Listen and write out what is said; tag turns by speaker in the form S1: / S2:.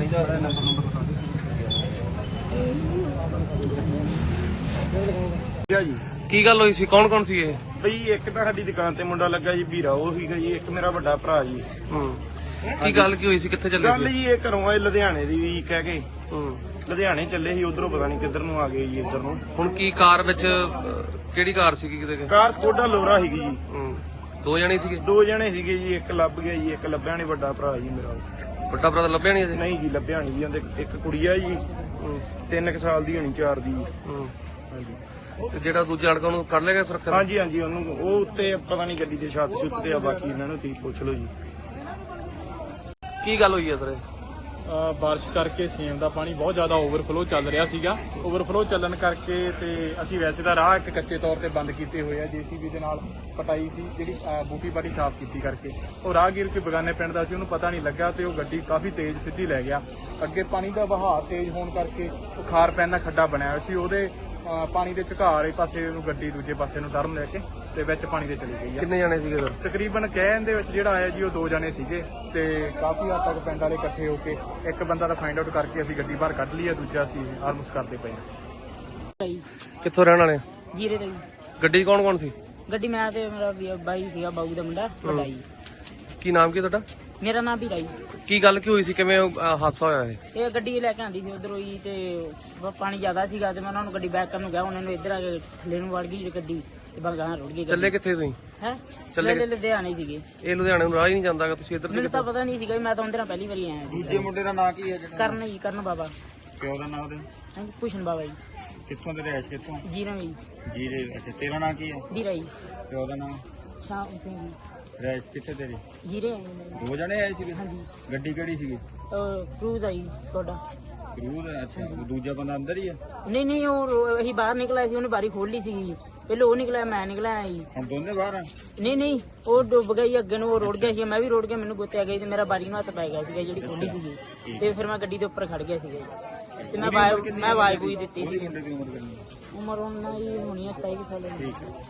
S1: जी
S2: की गल हुई सी? कौन कौन सी ये?
S1: बई एक तो साडी दुकान ते मुंडा लगा जी भीरा वो सीगा जी, एक मेरा बड़ा भरा जी।
S2: की गल की हुई सी? कित्थे चले
S1: गल जी ये घरों आए लुधियाने दी भी कह के लुधियाने चले ही, उधरों पता नहीं किधर नूं आ गए जी इधर नूं।
S2: हुण की कार विच किहड़ी कार सीगी? किते
S1: कार स्कोडा लोरा सीगी जी।
S2: दो जने सीगे?
S1: दो जने सीगे जी, एक लभ गया जी, एक लभ्या नहीं, बड़ा भरा जी मेरा।
S2: ਵੱਡਾ ਭਰਾ ਤਾਂ ਲੱਭਿਆ ਨਹੀਂ ਅਜੇ?
S1: नहीं जी लभ्या नहीं जी, ਉਹਦੇ ਇੱਕ ਕੁੜੀ ਆ ਜੀ 3 ਸਾਲ ਦੀ ਹੋਣੀ, 4 ਦੀ। ਹਾਂਜੀ
S2: ਤੇ ਜਿਹੜਾ ਦੂਜਾ ਲੜਕਾ ਉਹਨੂੰ ਕੱਢ ਲਿਆ ਗਿਆ ਸੁਰੱਖਿਆ?
S1: ਹਾਂਜੀ ਹਾਂਜੀ, ਉਹਨੂੰ ਉਹ ਉੱਤੇ ਪਤਾ ਨਹੀਂ ਗੱਡੀ ਦੇ ਛੱਤ ਛੁੱਤ ਤੇ ਆ, ਬਾਕੀ ਇਹਨਾਂ ਨੂੰ ਤੁਸੀਂ ਪੁੱਛ ਲਓ ਜੀ।
S2: ਕੀ ਗੱਲ ਹੋਈ ਹੈ ਸਰ?
S3: ਬਾਰਿਸ਼ ਕਰਕੇ ਸੇਮ ਦਾ ਪਾਣੀ ਬਹੁਤ ਜ਼ਿਆਦਾ ਓਵਰਫਲੋ ਚੱਲ ਰਿਹਾ ਸੀਗਾ। ਓਵਰਫਲੋ ਚੱਲਣ ਕਰਕੇ ਤੇ ਅਸੀਂ ਵੈਸੇ ਤਾਂ ਰਾਹ ਇੱਕ ਕੱਚੇ ਤੌਰ ਤੇ ਬੰਦ ਕੀਤੇ ਹੋਏ ਆ, ਜੀਸੀਬੀ ਦੇ ਨਾਲ ਪਟਾਈ ਸੀ ਜਿਹੜੀ ਬੂਟੀ ਬਾਟੀ ਸਾਫ਼ ਕੀਤੀ ਕਰਕੇ। ਉਹ ਰਾਹਗੀਰ ਕੋਈ ਬਗਾਨੇ ਪਿੰਡ ਦਾ ਸੀ, ਉਹਨੂੰ ਪਤਾ ਨਹੀਂ ਲੱਗਾ ਤੇ ਉਹ ਗੱਡੀ ਕਾਫੀ ਤੇਜ਼ ਸਿੱਧੀ ਲੈ ਗਿਆ। ਅੱਗੇ ਪਾਣੀ ਦਾ ਵਹਾਅ ਤੇਜ਼ ਹੋਣ ਕਰਕੇ ਉਹ ਖਾਰ ਪੈਣ ਦਾ ਖੱਡਾ ਬਣਿਆ ਹੋਇਆ ਸੀ, ਉਹਦੇ ਪਾਣੀ ਦੇ ਝੁਕਾਅ ਵਾਲੇ ਪਾਸੇ ਨੂੰ ਗੱਡੀ ਦੂਜੇ ਪਾਸੇ ਨੂੰ ਟਰਨ ਲੈ ਕੇ ਤੇ ਵਿੱਚ ਪਾਣੀ ਦੇ ਚਲੀ ਗਈ ਆ।
S2: ਕਿੰਨੇ ਜਣੇ ਸੀਗੇ ਸਰ?
S1: ਤਕਰੀਬਨ ਕਹਿਣ ਦੇ ਵਿੱਚ ਜਿਹੜਾ ਆਇਆ ਜੀ ਉਹ 2 ਜਣੇ ਸੀਗੇ ਤੇ ਕਾਫੀ ਹੱਦ ਤੱਕ ਪਿੰਡ ਵਾਲੇ ਇਕੱਠੇ ਹੋ ਕੇ ਇੱਕ ਬੰਦਾ ਤਾਂ ਫਾਈਂਡ ਆਊਟ ਕਰਕੇ ਅਸੀਂ ਗੱਡੀ ਬਾਹਰ ਕੱਢ ਲਈ ਆ, ਦੂਜਾ ਅਸੀਂ ਆਲਮੋਸਟ ਕਰਦੇ ਪਏ ਹਾਂ।
S2: ਕਿੱਥੋਂ ਰਹਿਣ ਵਾਲੇ?
S4: ਜੀਰੇ ਤੋਂ।
S2: ਗੱਡੀ ਕੌਣ ਕੌਣ ਸੀ?
S4: ਗੱਡੀ ਮੈਂ ਤੇ ਮੇਰਾ ਬਾਈ ਸੀਗਾ, ਬਾਊ ਦਾ ਮੁੰਡਾ ਵੱਡਾ ਜੀ।
S2: ਕੀ ਨਾਮ ਕੀ ਤੁਹਾਡਾ?
S4: ਮੇਰਾ ਨਾਮ ਵੀਰਾ ਜੀ।
S2: ਕੀ ਗੱਲ ਕੀ ਹੋਈ ਸੀ? ਕਿਵੇਂ ਹਾਦਸਾ ਹੋਇਆ ਇਹ?
S4: ਇਹ ਗੱਡੀ ਲੈ ਕੇ ਆਂਦੀ ਸੀ ਉਧਰੋਂ ਹੀ ਤੇ ਪਾਣੀ ਜ਼ਿਆਦਾ ਸੀਗਾ ਤੇ ਮੈਂ ਉਹਨਾਂ ਨੂੰ ਗੱਡੀ ਬੈਕ ਕਰਨ ਨੂੰ ਗਿਆ, ਉਹਨਾਂ ਨੂੰ ਇੱਧਰ ਆ ਕੇ ਥੱਲੇ ਨੂੰ ਵੜ ਗਈ ਗੱਡੀ ਤੇ ਬਸ ਗਾਂ ਰੁੜ ਗਈ।
S2: ਚੱਲੇ ਕਿੱਥੇ ਤੁਸੀਂ?
S4: ਹੈ
S2: ਚੱਲੇ
S4: ਲੁਧਿਆਣੇ ਸੀਗੇ।
S2: ਇਹ ਲੁਧਿਆਣੇ ਨੂੰ ਰਾਹ ਹੀ ਨਹੀਂ ਜਾਂਦਾਗਾ, ਤੁਸੀਂ ਇੱਧਰ
S4: ਮੈਨੂੰ ਤਾਂ ਪਤਾ ਨਹੀਂ ਸੀਗਾ, ਮੈਂ ਤਾਂ ਉਹਦੇ ਨਾਲ ਪਹਿਲੀ ਵਾਰੀ ਆਇਆ।
S1: ਦੂਜੇ ਮੁੰਡੇ ਦਾ ਨਾਂ ਕੀ ਹੈ?
S4: ਕਰਨ ਜੀ, ਕਰਨ ਬਾਬਾ।
S1: ਪਿਓ ਦਾ ਨਾਂ ਉਹਦੇ?
S4: ਹਾਂਜੀ ਭੂਸ਼ਣ ਬਾਬਾ ਜੀ।
S1: ਕਿੱਥੋਂ ਦੇ ਰਹਿਸ਼ ਕਿੱਥੋਂ?
S4: ਜੀਰਾ ਜੀ।
S1: ਜੀਰੇ। ਅੱਛਾ, ਤੇਰਾ ਨਾਂ ਕੀ ਹੈ?
S4: ਵੀਰਾ ਜੀ।
S1: ਪਿਓ ਦਾ ਨਾਂ?
S4: ਸ਼ਾਮ ਸਿੰਘ ਜੀ।
S1: ਰਹਿਸ਼ ਕਿੱਥੇ ਤੇਰੀ?
S4: ਜੀਰੇ ਆਏ ਨੇ।
S1: 2 ਜਣੇ ਆਏ ਸੀਗੇ?
S4: ਹਾਂਜੀ।
S1: ਗੱਡੀ ਕਿਹੜੀ ਸੀਗੀ?
S4: ਕਰੂਜ਼ ਆਈ ਸਕੋਡਾ।
S1: ਕਰੂਜ਼? ਅੱਛਾ, ਉਹ ਦੂਜਾ ਬੰਦਾ ਅੰਦਰ ਹੀ ਹੈ?
S4: ਨਹੀਂ ਨਹੀਂ, ਉਹ ਅਸੀਂ ਬਾਹਰ ਨਿਕਲਿਆ ਸੀ, ਉਹਨੇ ਬਾਰੀ ਖੋਲ ਲਈ ਸੀ। ਪਹਿਲਾਂ ਉਹ ਨਿਕਲਿਆ, ਮੈਂ ਨਿਕਲਿਆ ਜੀ।
S1: ਹੁਣ ਦੋਨੇ ਬਾਹਰ ਆ?
S4: ਨਹੀਂ ਨਹੀਂ, ਉਹ ਡੁੱਬ ਗਈ ਅੱਗੇ ਨੂੰ, ਉਹ ਰੁੜ ਗਿਆ ਸੀ, ਮੈਂ ਵੀ ਰੁੜ ਗਿਆ, ਮੈਨੂੰ ਗੁੱਤਿਆ ਗਈ ਤੇ ਮੇਰਾ ਬਾਰੀ ਨੂੰ ਹੱਥ ਪੈ ਗਿਆ ਸੀਗਾ ਜਿਹੜੀ ਖੋਲੀ ਸੀਗੀ ਤੇ ਫਿਰ ਮੈਂ ਗੱਡੀ ਦੇ ਉੱਪਰ ਖੜ ਗਿਆ ਸੀਗਾ ਤੇ ਮੈਂ ਆਵਾਜ਼ ਬੂਈ ਦਿੱਤੀ ਸੀ।
S1: ਮੁੰਡੇ ਦੀ ਉਮਰ ਕਿੰਨੀ?
S4: ਉਮਰ ਉਹਨਾਂ ਦੀ ਹੋਣੀ ਹੈ 27 ਸਾਲ ਦੀ।